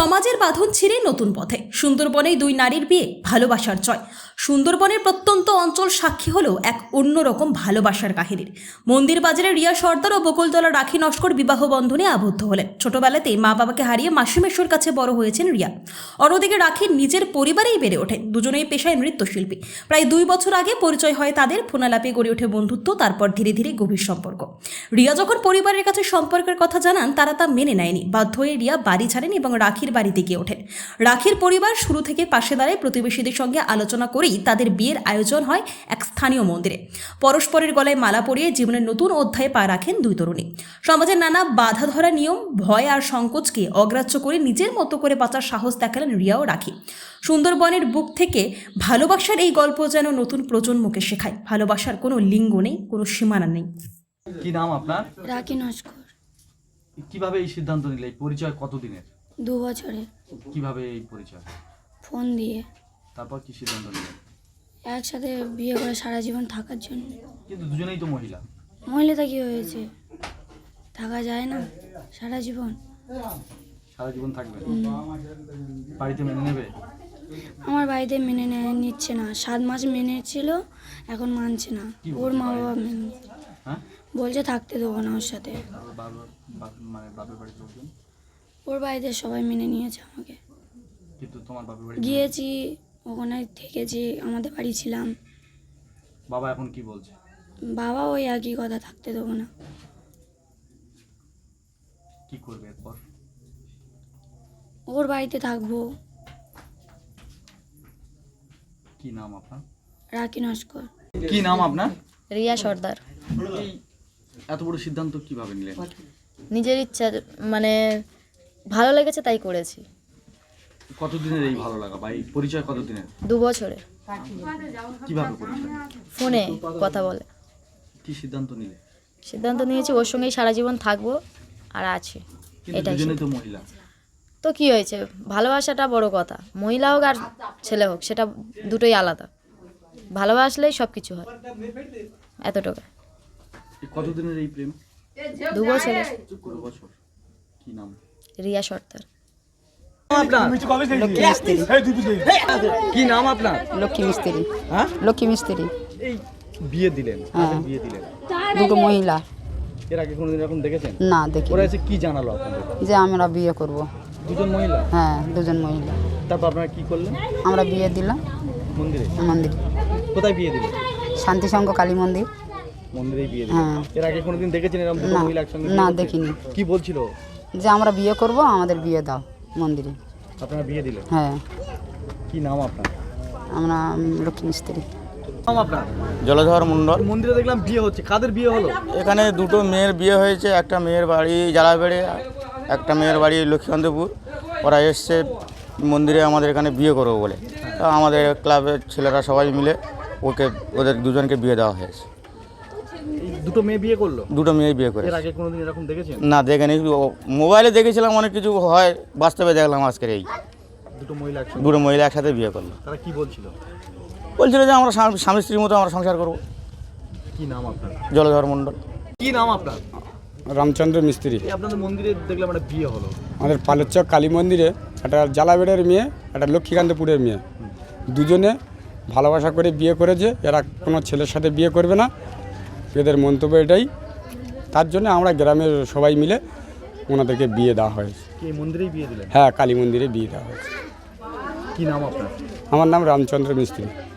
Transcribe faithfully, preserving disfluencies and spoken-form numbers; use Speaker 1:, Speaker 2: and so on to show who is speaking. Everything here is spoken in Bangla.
Speaker 1: সমাজের বাঁধন ছিঁড়ে নতুন পথে সুন্দরবনে দুই নারীর বিয়ে ভালোবাসার জয়। সুন্দরবনের প্রত্যন্ত অঞ্চল সাক্ষী হলো এক অন্যরকম ভালোবাসার কাহিনীর। মন্দির বাজারে রিয়া সর্দার ও বকুলতলা রাখি নস্কর বিবাহ বন্ধনে আবদ্ধ হলেন। ছোটবেলাতেই মা বাবাকে হারিয়ে মাসিমেশ্বর কাছে বড় হয়েছেন রিয়া। অন্যদিকে রাখির নিজের পরিবারেই বেড়ে ওঠেন। দুজনেই পেশায় নৃত্যশিল্পী। প্রায় দুই বছর আগে পরিচয় হয় তাদের। ফোনালাপে গড়ে ওঠে বন্ধুত্ব, তারপর ধীরে ধীরে গভীর সম্পর্ক। রিয়া যখন পরিবারের কাছে সম্পর্কের কথা জানান, তারা তা মেনে নেয়নি। বাধ্য হয়ে রিয়া বাড়ি ছাড়েন এবং রাখির বাড়িতে গিয়ে ওঠেন। রাখির পরিবার শুরু থেকে পাশে দাঁড়ায়। প্রতিবেশীদের সঙ্গে আলোচনা করেই তাদের বিয়ের আয়োজন হয় এক স্থানীয় মন্দিরে। পরস্পরের গলায় মালা পরিয়ে জীবনের নতুন অধ্যায়ে পা রাখেন দুই তরুণী। সমাজের নানা বাধা ধরা নিয়ম, ভয় আর সংকোচকে অগ্রাহ্য করে নিজের মতো করে বাঁচার সাহস দেখালেন রিয়া ও রাখি। সুন্দরবনের বুক থেকে ভালোবাসার এই গল্প যেন নতুন প্রজন্মকে শেখায় ভালোবাসার কোনো লিঙ্গ নেই, কোনো সীমানা নেই।
Speaker 2: কি নাম আপনার?
Speaker 3: রাখি নস্কর।
Speaker 2: কিভাবে এই সিদ্ধান্ত নিলে? এই পরিচয় কতদিনের?
Speaker 3: দু বছরে।
Speaker 2: কিভাবে এই পরিচয়?
Speaker 3: ফোন দিয়ে।
Speaker 2: তারপর কি সিদ্ধান্ত নিলে?
Speaker 3: একসাথে বিয়ে করে সারা জীবন থাকার জন্য।
Speaker 2: কিন্তু দুজনেই তো মহিলা।
Speaker 3: মহিলাটা কি হয়েছে, থাকা যায় না সারা জীবন?
Speaker 2: সারা জীবন থাকবে? বাড়িতে মেনে নেবে?
Speaker 3: আমার বাড়িতে মেনে নেয় নিচ্ছে না। সাত মাস মেনে ছিল, এখন মানছে না। ওর মা বাবা মেনে
Speaker 2: হ্যাঁ
Speaker 3: বলছে থাকতে দেবো না ওর সাথে।
Speaker 2: মানে বাপের বাড়ির লোকজন?
Speaker 3: ওর বাড়িতে সবাই মেনে নিয়েছে আমাকে।
Speaker 2: কিন্তু তোমার বাপের বাড়ি?
Speaker 3: গিয়েছি, ওখানে থেকেছি, আমাদের বাড়ি ছিলাম।
Speaker 2: বাবা এখন কি বলছে?
Speaker 3: বাবা ওই একই কথা, থাকতে দেবো না।
Speaker 2: কি করবে এরপর?
Speaker 3: ওর বাড়িতে থাকবো।
Speaker 2: কি নাম আপনার?
Speaker 3: রাখি নস্কর।
Speaker 2: কি নাম আপনার?
Speaker 4: রিয়া সর্দার।
Speaker 2: এই এত বড় সিদ্ধান্ত কিভাবে নিলেন?
Speaker 4: নিজের ইচ্ছা, মানে ভালো লেগেছে তাই করেছি।
Speaker 2: কতদিনের এই ভালো লাগা বা এই পরিচয় কতদিনের?
Speaker 4: দু বছরে।
Speaker 2: কিভাবে পরিচয়?
Speaker 4: ফোনে কথা বলে।
Speaker 2: কি সিদ্ধান্ত নিলে?
Speaker 4: সিদ্ধান্ত নিয়েছি ওর সঙ্গেই সারা জীবন থাকবো আর আছি।
Speaker 2: কিন্তু
Speaker 4: এটাই
Speaker 2: দুজনেই তো মহিলা।
Speaker 4: তো কি হয়েছে, ভালোবাসাটা বড় কথা। মহিলা হোক আর ছেলে হোক, সেটা দুটোই আলাদা। ভালোবাসলেই সব কিছু হয়, এতটুকু।
Speaker 2: কতদিনের এই প্রেম?
Speaker 4: দু বছরে।
Speaker 2: দু বছর। কি নাম?
Speaker 4: রিয়া সর্দার।
Speaker 2: কি নাম আপনার?
Speaker 5: লক্ষ্মী মিস্ত্রি।
Speaker 2: হ্যাঁ,
Speaker 5: লক্ষ্মী মিস্ত্রি।
Speaker 2: এই বিয়ে দিলেন, কাকে বিয়ে দিলেন?
Speaker 5: দুটো মহিলা।
Speaker 2: এর আগে কোনোদিন এরকম দেখেছেন?
Speaker 5: না দেখি।
Speaker 2: ওরা এসে কি জানালো আপনাদের?
Speaker 5: যে আমরা বিয়ে করব।
Speaker 2: দুজন মহিলা?
Speaker 5: হ্যাঁ, দুজন মহিলা।
Speaker 2: তারপর আপনারা কি করলেন?
Speaker 5: আমরা বিয়ে দিলাম
Speaker 2: মন্দিরে।
Speaker 5: মন্দির।
Speaker 2: কোথায় বিয়ে দিলেন?
Speaker 5: শান্তি সংঘ কালী মন্দির।
Speaker 2: মন্দিরেই বিয়ে দিলেন?
Speaker 5: হ্যাঁ।
Speaker 2: এর আগে কোনোদিন দেখেছেন এরকম দুটো
Speaker 5: না,
Speaker 2: মহিলা একসঙ্গে?
Speaker 5: না
Speaker 2: বিয়ে করতে?
Speaker 5: দেখিনি।
Speaker 2: কি বলছিল?
Speaker 5: যে আমরা বিয়ে করব, আমাদের বিয়ে দাও মন্দিরে।
Speaker 2: আপনারা বিয়ে দিলেন?
Speaker 5: হ্যাঁ।
Speaker 2: কি নাম আপনার?
Speaker 5: আমরা উম, লক্ষ্মী মিস্ত্রি।
Speaker 2: নাম আপনার?
Speaker 6: জলধর মণ্ডল।
Speaker 2: মন্দিরে দেখলাম বিয়ে হচ্ছে, কাদের বিয়ে হলো?
Speaker 6: এখানে দুটো মেয়ের বিয়ে হয়েছে। একটা মেয়ের বাড়ি জালাবেড়ে, একটা মেয়ের বাড়ি লক্ষ্মীকান্তপুর। ওরা এসছে মন্দিরে আমাদের এখানে বিয়ে করবো বলে। তা আমাদের ক্লাবের ছেলেরা সবাই মিলে ওকে ওদের দুজনকে বিয়ে দেওয়া হয়েছে।
Speaker 2: এই দুটো মেয়ে বিয়ে করলো?
Speaker 6: দুটো মেয়ে বিয়ে করে।
Speaker 2: এর আগে কোনোদিন এরকম দেখেছেন?
Speaker 6: না দেখিনি, ও- মোবাইলে দেখেছিলাম অনেক কিছু হয়, বাস্তবে দেখলাম আজকের এই
Speaker 2: দুটো মহিলা একসঙ্গে?
Speaker 6: দুটো মহিলা একসাথে বিয়ে করলো।
Speaker 2: তারা কি বলছিল?
Speaker 6: বলছিল যে আমরা স্বামী স্বামী স্ত্রীর মতো আমরা সংসার করবো।
Speaker 2: কি নাম আপনার?
Speaker 6: জলধর মণ্ডল।
Speaker 2: কি নাম আপনার?
Speaker 7: রামচন্দ্র মিস্ত্রি।
Speaker 2: এই আপনাদের মন্দিরে দেখলাম একটা বিয়ে হলো।
Speaker 7: আমাদের পালেরচক কালী মন্দিরে একটা জালাবেড়ের মেয়ে, একটা লক্ষ্মীকান্তপুরের মেয়ে, দুজনে ভালোবাসা করে বিয়ে করেছে। এরা কোনো ছেলের সাথে বিয়ে করবে না, এদের মন্তব্য এটাই। তার জন্য আমরা গ্রামের সবাই মিলে ওনাদেরকে বিয়ে দেওয়া হয়েছে।
Speaker 2: কি এই মন্দিরেই বিয়ে দিলেন?
Speaker 7: হ্যাঁ, কালী মন্দিরে বিয়ে দেওয়া হয়েছে।
Speaker 2: কি নাম আপনার?
Speaker 7: আমার নাম রামচন্দ্র মিস্ত্রি।